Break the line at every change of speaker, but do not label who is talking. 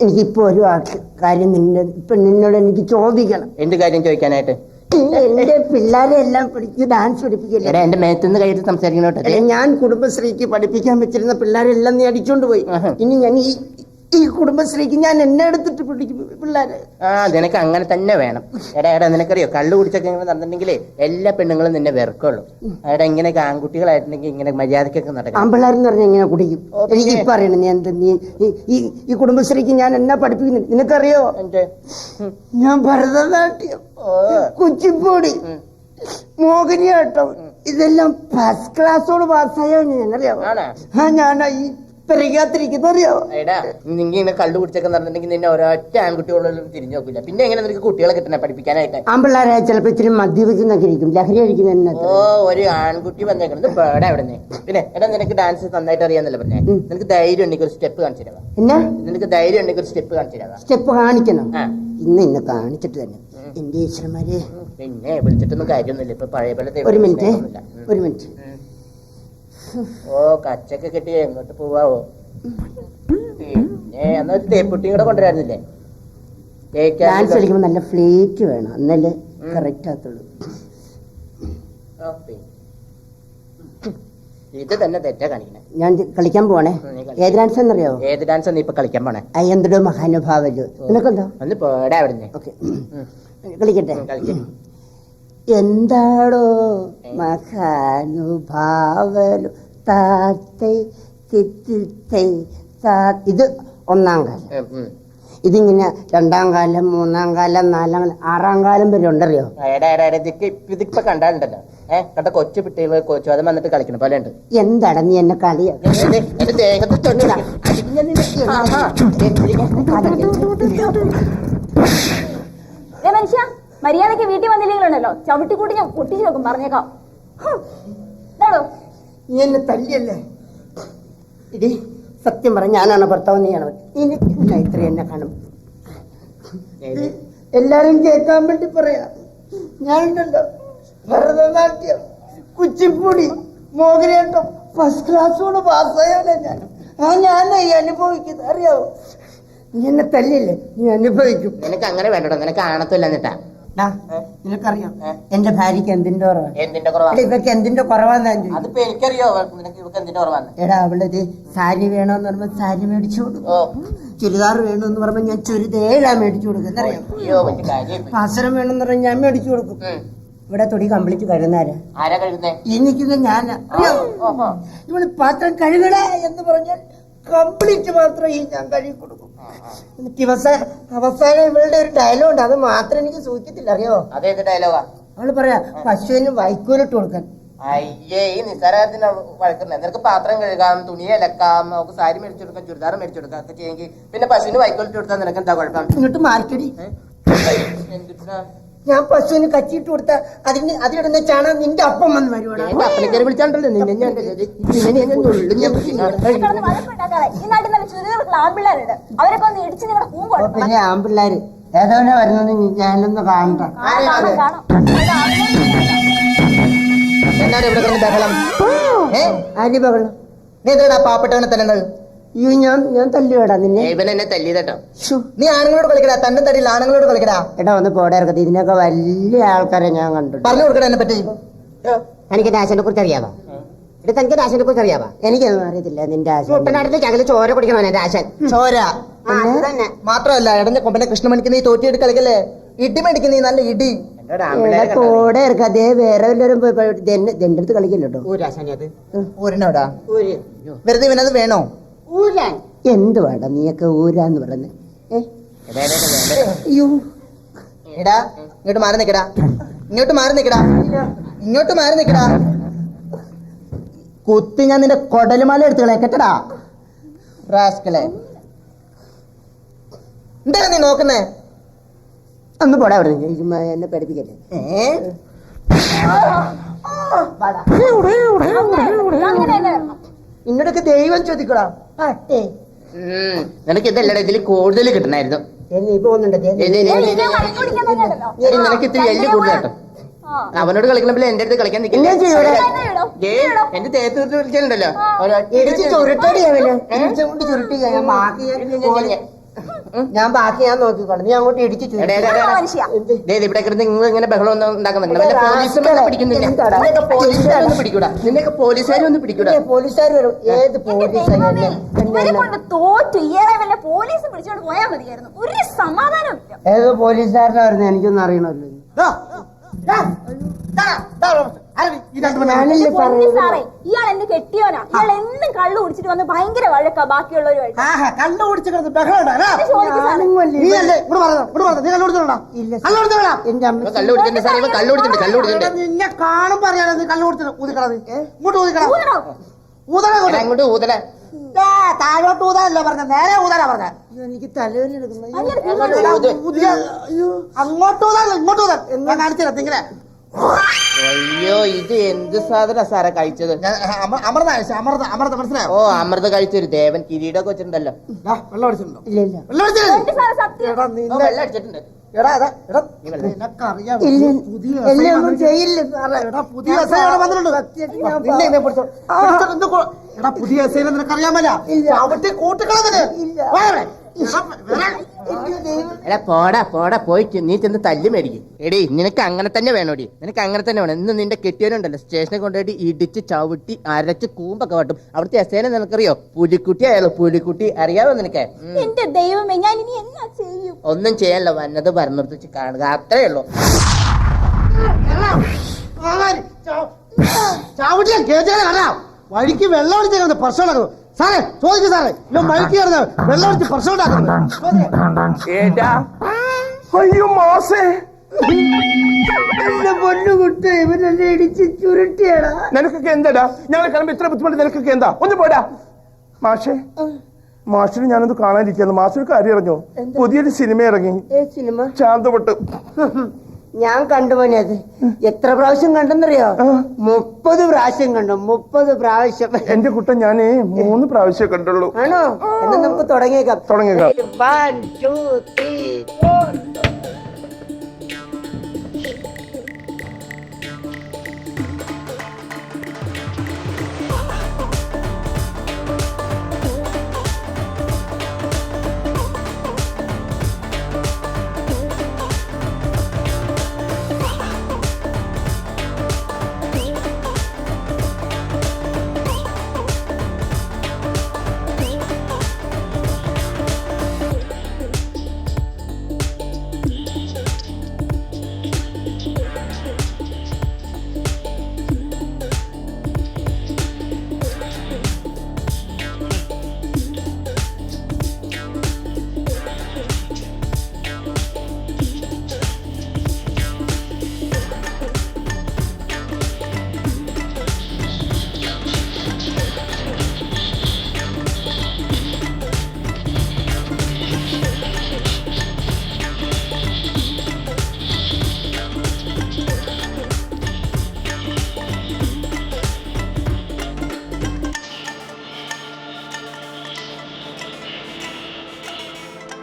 എനിക്കിപ്പോ ഒരു കാര്യം നിന്നോട് എനിക്ക് ചോദിക്കണം.
എന്ത് കാര്യം ചോദിക്കാനായിട്ട്?
എന്റെ പിള്ളേരെ എല്ലാം ഡാൻസ് പഠിപ്പിക്കില്ല.
എന്റെ മേത്തുനിന്ന് കയ്യിൽ സംസാരിക്കണോട്ടെ.
ഞാൻ കുടുംബശ്രീക്ക് പഠിപ്പിക്കാൻ വെച്ചിരുന്ന പിള്ളേരെല്ലാം നീ അടിച്ചോണ്ട് പോയി. ഇനി ഞാൻ ഈ കുടുംബശ്രീക്ക് ഞാൻ എന്നെ എടുത്തിട്ട് പിടിക്കും പിള്ളേരെ.
നിനക്ക് അങ്ങനെ തന്നെ വേണം. എടാ നിനക്കറിയോ, കള്ളു കുടിച്ചൊക്കെ ഇങ്ങനെ നടന്നിട്ടുണ്ടെങ്കിലേ എല്ലാ പെണ്ണുങ്ങളും നിന്നെ വെറുക്കുള്ളൂ. എടാ ഇങ്ങനെയൊക്കെ ആൺകുട്ടികളായിട്ടുണ്ടെങ്കിൽ ഇങ്ങനെ മര്യാദക്കൊക്കെ നടക്കും.
ആൺപിള്ളേരെന്ന് പറഞ്ഞാൽ എങ്ങനെ കുടിക്കും? എനിക്ക് ഇപ്പൊ അറിയണം. നീ ഈ കുടുംബശ്രീക്ക് ഞാൻ എന്നാ പഠിപ്പിക്കുന്നു നിനക്കറിയോ? ഞാൻ ഭരതനാട്യം, കുച്ചിപ്പുടി, മോഹിനിയാട്ടം ഇതെല്ലാം ഫസ്റ്റ് ക്ലാസ്സോട് പാസ്സായോ ഞാൻ അറിയാമോ? ഞാൻ ഈ അറിയാവോ?
എടാ നിങ്ങനെ കള്ളു കുടിച്ചൊക്കെ നടന്നിട്ടുണ്ടെങ്കിൽ നിന്നെ ഒരൊറ്റ ആൺകുട്ടികളോടും തിരിഞ്ഞു നോക്കില്ല. പിന്നെ എങ്ങനെ നിനക്ക് കുട്ടികളെ കിട്ടണേ പഠിപ്പിക്കാനായിട്ട്?
ആൺപിള്ളേരെ ചിലപ്പോ ഇച്ചിരി മദ്യപിച്ചെന്നൊക്കെ ഇരിക്കും, ലഹരി അടിക്കുന്ന.
ഒരു ആൺകുട്ടി വന്നേക്കണത് പേടെ അവിടെ. പിന്നെ എടാ നിനക്ക് ഡാൻസ് നന്നായിട്ട് അറിയാന്നല്ലേ പറഞ്ഞേ? നിനക്ക് ധൈര്യം ഉണ്ടെങ്കിൽ ഒരു സ്റ്റെപ്പ് കാണിച്ചു തരാം. എന്നാ നിനക്ക് ധൈര്യം ഉണ്ടെങ്കിൽ ഒരു സ്റ്റെപ്പ് കാണിച്ചു തരാം.
സ്റ്റെപ്പ് കാണിക്കണം? ഇന്ന് കാണിച്ചിട്ട് തന്നെ എന്റെ ഈശ്വരന്മാരെ.
പിന്നെ വിളിച്ചിട്ടൊന്നും കാര്യമൊന്നുമില്ല. ഇപ്പൊ പഴയ പോലെ.
ഒരു മിനിറ്റ്.
കച്ചൊക്കെ കെട്ടി എങ്ങോട്ട് പോവാവോ? പിന്നെ എന്നാ തേപ്പുട്ടിയും കൂടെ കൊണ്ടുവരായിരുന്നില്ലേ?
ഡാൻസ് കളിക്കുമ്പോ നല്ല ഫ്ലേറ്റ് വേണം, എന്നല്ലേ കറക്റ്റ് ആകത്തുള്ളൂ.
ഇത് തന്നെ തെറ്റാ കാണിക്കണേ.
ഞാൻ കളിക്കാൻ പോണേ. ഏത് ഡാൻസ് എന്നറിയാവോ?
ഏത് ഡാൻസ് നീ ഇപ്പൊ കളിക്കാൻ പോണേ?
എന്തൊരു മഹാനുഭാവല്ലോ. നിനക്കെന്തോ
ഒന്ന് പോടാ അവിടെ.
ഓക്കെ കളിക്കട്ടെ. എന്താടോ മഹാനുഭാവലു താത്തൈ തിത്തൈ. ഇത് ഒന്നാം കാലം. ഇതിങ്ങനെ രണ്ടാം കാലം, മൂന്നാം കാലം, നാലാം കാലം, ആറാം കാലം വരെ ഉണ്ടറിയോ?
ഇതിപ്പോ കണ്ടാലുണ്ടല്ലോ കണ്ട കൊച്ചു പിട്ടികൾ കൊച്ചു അത് വന്നിട്ട് കളിക്കണം പോലെ ഉണ്ട്.
എന്താണ് നീ എന്നെ കളിയാ?
മനുഷ്യ മര്യാദക്ക് വീട്ടിൽ വന്നില്ലെങ്കിലുണ്ടല്ലോ ചവിട്ടിക്കൂട്ടി ഞാൻ പൊട്ടിച്ചു നോക്കും, പറഞ്ഞേക്കാം.
നീ എന്നെ തല്ലിയല്ലേ? ഇടി സത്യം പറഞ്ഞ ഞാനാണ് ഭർത്താവ്, നീയാണ്. ഇത്ര എന്നെ കാണും എല്ലാരും കേൾക്കാൻ വേണ്ടി പറയാ. ഞാനുണ്ടല്ലോ ഭരതനാട്യം, കുച്ചിപ്പുടി, മോഹിനിയാട്ടം ഫസ്റ്റ് ക്ലാസ്സോട് പാസ്സായല്ലേ ഞാൻ. ഞാനായി അനുഭവിക്കുന്നത് അറിയാവോ? നീ എന്നെ തല്ലിയല്ലേ, നീ അനുഭവിക്കും.
നിനക്ക് അങ്ങനെ വേണ്ടോ? നിനക്ക് ആണത്തില്ല എന്നിട്ടാ.
നിനക്കറിയാം എന്റെ ഭാര്യക്ക് എന്തിന്റെ കുറവാണ്?
എന്തിന്റെ കുറവാണ്?
ഇവക്ക് എന്തിന്റെ കുറവാന്ന്
അതിപ്പോ എനിക്കറിയോ. നിനക്ക് ഇവക്ക് എന്തിന്റെ കുറവാണ്?
എടാ അവളത് സാരി വേണോന്ന് പറയുമ്പോ സാരി മേടിച്ചു കൊടുക്കും, ചുരിദാർ വേണമെന്ന് പറയുമ്പോ ഞാൻ ചുരിദേഴാ മേടിച്ചു കൊടുക്കും. പാസരം വേണമെന്ന് പറഞ്ഞാൽ ഞാൻ മേടിച്ചു കൊടുക്കും. ഇവിടെ തൊടി കംപ്ലീറ്റ് കഴുകുന്നാരാ? എനിക്കിത് ഞാനാ. ഇവള് പാത്രം കഴുകട എന്ന് പറഞ്ഞാൽ കംപ്ലീറ്റ് മാത്രം ഈ ഞാൻ കഴുകി കൊടുക്കും. എന്നിട്ട് അവസാനം ഇവളുടെ ഒരു ഡയലോഗ് ഉണ്ട്, അത് മാത്രം എനിക്ക് സൂചിക്കത്തില്ല, അറിയോ?
അതേത് ഡയലോഗാ?
അവള് പറയാ പശുവിന് വൈക്കോലിട്ട് കൊടുക്കാൻ.
അയ്യേ ഈ നിസ്സാരത്തിന് വഴക്കുന്നത്. നിനക്ക് പാത്രം കഴുകാം, തുണി അലക്കാം, നമുക്ക് സാരി മേടിച്ചു കൊടുക്കാം, ചുരിദാർ മേടിച്ചു കൊടുക്കാം ഒക്കെ ചെയ്യെങ്കിൽ പിന്നെ പശുവിന് വൈക്കോലിട്ട് കൊടുത്താൽ നിനക്ക് എന്താ കുഴപ്പം?
ഇങ്ങോട്ട് മാർക്കടി. ഞാൻ പശുവിന് കച്ചിട്ട് കൊടുത്ത അതിലിടുന്ന ചാണകം നിന്റെ അപ്പം വന്ന് വരുവാണ്.
അപ്പനക്കാരെ വിളിച്ചാണ്ടല്ലോ നിന്നെ ഞാൻ
പിന്നെ ആമ്പിള്ളേര് ഏതോനെ വരുന്നത് ഞാനൊന്ന് കാണണ്ട.
എന്നാണ് ഇവിടെ കിടന്ന് ബഹളം?
ആര് ബഹളം?
നീ എന്താണ് പാവപ്പെട്ടവനെ തല്ലുന്നത്?
അയ്യോ ഞാൻ തല്ലുവേടാ നിന്നെ.
ഇവൻ എന്നെ തല്ലിയതട്ടോ.
നീ ആണുങ്ങളോട് കളിക്കടാ, തന്നെ തടിയിൽ ആണുങ്ങളോട് കളിക്കടാ. എടാ ഒന്ന് പോടെ ഇറക്കത്തി. ഇതിനൊക്കെ വലിയ ആൾക്കാരെ ഞാൻ കണ്ടു.
പറഞ്ഞു കൊടുക്കടാ എന്നെ പറ്റി.
എനിക്ക് രാശനെ കുറിച്ച് അറിയാവാ? ഇവിടെ തനിക്ക് രാശനെ കുറിച്ച് അറിയാവാ? എനിക്കൊന്നും അറിയത്തില്ല. നിന്റെ ആശന്റെ അകല് ചോര കുടിക്കണോ? രാശൻ ചോര
മാത്രമല്ല എടഞ്ഞ കൊമ്പനെ കൃഷ്ണമണിക്ക് നീ തോറ്റിയെടുത്ത് കളിക്കല്ലേ? ഇടി മേടിക്കുന്ന നീ നല്ല ഇടി.
പോടെ ഇറക്ക. അതേ വേറെ വല്ലവരും എന്റെ അടുത്ത് കളിക്കില്ലട്ടോ.
ഊരിനോടാ വെറുതെ ഇവനത് വേണോ?
ഊരാൻ എന്ത് വേണ്ട നീയൊക്കെ ഊരാന്ന് പറഞ്ഞ്.
എടാ ഇങ്ങോട്ട് മാറി നിക്കടാ, ഇങ്ങോട്ട് മാറി നിക്കടാ, ഇങ്ങോട്ട് മാറി നിക്കടാ.
കുത്തി ഞാൻ നിന്റെ കൊടലുമാല എടുത്ത് കളയക്കട്ടടാ
റാസ്കളെ. എന്താ നീ നോക്കുന്നേ?
ഒന്ന് പോടാ അവിടെ. എന്നെ പഠിപ്പിക്കല്ലേ. ഇന്നോടൊക്കെ ദൈവം ചോദിക്കടാ.
നിനക്ക് ഇതല്ലടാ, ഇതിൽ കൂടുതൽ കിട്ടണായിരുന്നു. നിനക്ക് ഇത്തിരി എല്ല് കൂടുതൽ കേട്ടോ. അവനോട് കളിക്കണപ്പോൾ എന്റെ അടുത്ത് കളിക്കാൻ നിൽക്കില്ല. എന്റെ തേത്ത് വിളിച്ചാലുണ്ടല്ലോ
ഞാൻ ബാക്കി ഞാൻ നോക്കിക്കോളാം, നീ അങ്ങോട്ട് ഇടിച്ചു
മനുഷ്യ
ഇവിടെ കിടന്ന് നിങ്ങൾ ഇങ്ങനെ ബഹളം ഒന്നും ഉണ്ടാക്കുന്നുണ്ട്. വല്ല പോലീസുകാരെ പിടിക്കുന്നില്ല. നിന്നെയൊക്കെ പോലീസുകാരൊന്നും പിടിക്കൂടാ. നിന്നെയൊക്കെ പോലീസുകാരൊന്നും പിടിക്കൂടാ.
പോലീസുകാർ വരും. ഏത് പോലീസ്
ഇവരെ കൊണ്ട് തോറ്റു. ഇയാളെ വല്ല പോലീസ് പിടിച്ചോണ്ട് പോയാൽ മതിയായിരുന്നു. ഒരു സമാധാനം ഇല്ല.
ഏത് പോലീസുകാരനാ വരുന്നത് എനിക്കൊന്നും അറിയണമല്ലോ.
സാറേ ഇയാൾ എന്നെ കെട്ടിയോനാ. ഇയാൾ എന്നും കള്ളു കുടിച്ചിട്ട് വന്ന് ഭയങ്കര വഴക്കാ ബാക്കിയുള്ളവരുമായിട്ട്.
കള്ളു കുടിച്ചിട്ട് ബഹളം
കള്ളു കുടിച്ചിട്ടുണ്ട് സാർ. ഇവ കള്ളു കുടിച്ചിട്ടുണ്ട്. കള്ളു കുടിച്ചിട്ടുണ്ട്.
നിന്നെ കാണും പറയാ നീ കള്ളു കുടിച്ചിട്ട് ഊതിക്കളത് ഇങ്ങോട്ട് ഊതിക്കണം ഊതണ
അങ്ങോട്ട് ഊതല.
താഴോട്ട് ഊതാനല്ല പറഞ്ഞ, നേരെ ഊതാനാ പറഞ്ഞ.
എനിക്ക് തലവേദന എടുക്കുന്നു.
അങ്ങോട്ട് ഊതാൻ ഇങ്ങോട്ട് ഊതാൻ ഞാൻ കാണിച്ചില്ല ഇങ്ങനെ.
അയ്യോ ഇത് എന്ത് സാധന സാറെ കഴിച്ചത്?
അമൃത അമൃത അമൃത മനസ്സിലായോ?
ഓ അമൃത കഴിച്ചൊരു ദേവൻ കിരീടമൊക്കെ വെച്ചിട്ടുണ്ടല്ലോ.
വെള്ളം അടിച്ചിട്ടുണ്ടോ?
ഇല്ല ഇല്ല
വെള്ളം അടിച്ചില്ലേ?
സാറേ സത്യം.
എടാ
ഓ,
നിന്നെ
വെള്ളം അടിച്ചിട്ടുണ്ട്.
എടാ നിനക്കറിയാം പുതിയ
എന്നെ ഒന്നും ചെയ്യില്ല സാറേ.
എടാ പുതിയ എസ്ഐ അവിടെ വന്നിട്ടുണ്ട്. നിന്നെ ഇതിനെ പിടിച്ചോ. എടാ പുതിയ എസ്ഐ നിനക്കറിയാമല്ല, അവിടെ കൂട്ടുകളതിന്
എടാ പോടാ പോടാ പോയിട്ട് നീ ചെന്ന് തല്ലി മേടിക്കും. എടി നിനക്ക് അങ്ങനെ തന്നെ വേണോടി, നിനക്ക് അങ്ങനെ തന്നെ വേണം. ഇന്ന് നിന്റെ കെട്ടിയവനുണ്ടല്ലോ സ്റ്റേഷനിൽ കൊണ്ടുപോയിട്ട് ഇടിച്ച് ചവിട്ടി അരച്ച് കൂമ്പൊക്കെ വട്ടും. അവിടുത്തെ എസ്ഐനെ നിനക്കറിയോ? പുലിക്കുട്ടി ആയാലോ പുലിക്കുട്ടി, അറിയാവോ നിനക്ക്?
എന്റെ ദൈവമേ ഞാൻ ഇനി എന്നാ ചെയ്യും?
ഒന്നും ചെയ്യാനല്ലോ, വന്നത് പറഞ്ഞിട്ട് കാണുക, അത്രേ ഉള്ളൂ.
ചാവട്ടിയാ കേട്ടാ കാണാം. വഴിക്ക് വെള്ളം അടിച്ച പ്രശ്നം ഉണ്ടാക്കുന്നു സാറേ. ചോദിക്കും സാറേ, ഇവൻ വഴിക്ക് കിടന്ന് വെള്ളം അടിച്ച് പ്രശ്നം ഉണ്ടാക്കുന്നു.
അയ്യോ മാസേ,
എന്റെ പൊന്നു കുട്ടി ഇവനെന്നെ ഇടിച്ച് ചുരുട്ടിയാടാ.
നിനക്കൊക്കെ എന്താടാ? ഞങ്ങളെ കാണുമ്പോ ഇത്ര ബുദ്ധിമുട്ട് നിനക്കൊക്കെ എന്താ? ഒന്ന് പോടാ മാഷേ. മാഷിന് ഞാനത് കാണാനിരിക്കുന്നു. മാഷിന് കാര്യം അറിഞ്ഞോ? പുതിയൊരു സിനിമ ഇറങ്ങി,
സിനിമ
ശാന്തപൊട്ട്.
ഞാൻ കണ്ടു മോനെ. അത് എത്ര പ്രാവശ്യം കണ്ടെന്നറിയോ? 30 പ്രാവശ്യം കണ്ടു. 30 പ്രാവശ്യം.
എന്റെ കുട്ടൻ ഞാനേ 3 പ്രാവശ്യം കണ്ടുള്ളൂ.
ആണോ? എന്നാ നമുക്ക് തുടങ്ങിയേക്കാം.
1 2 3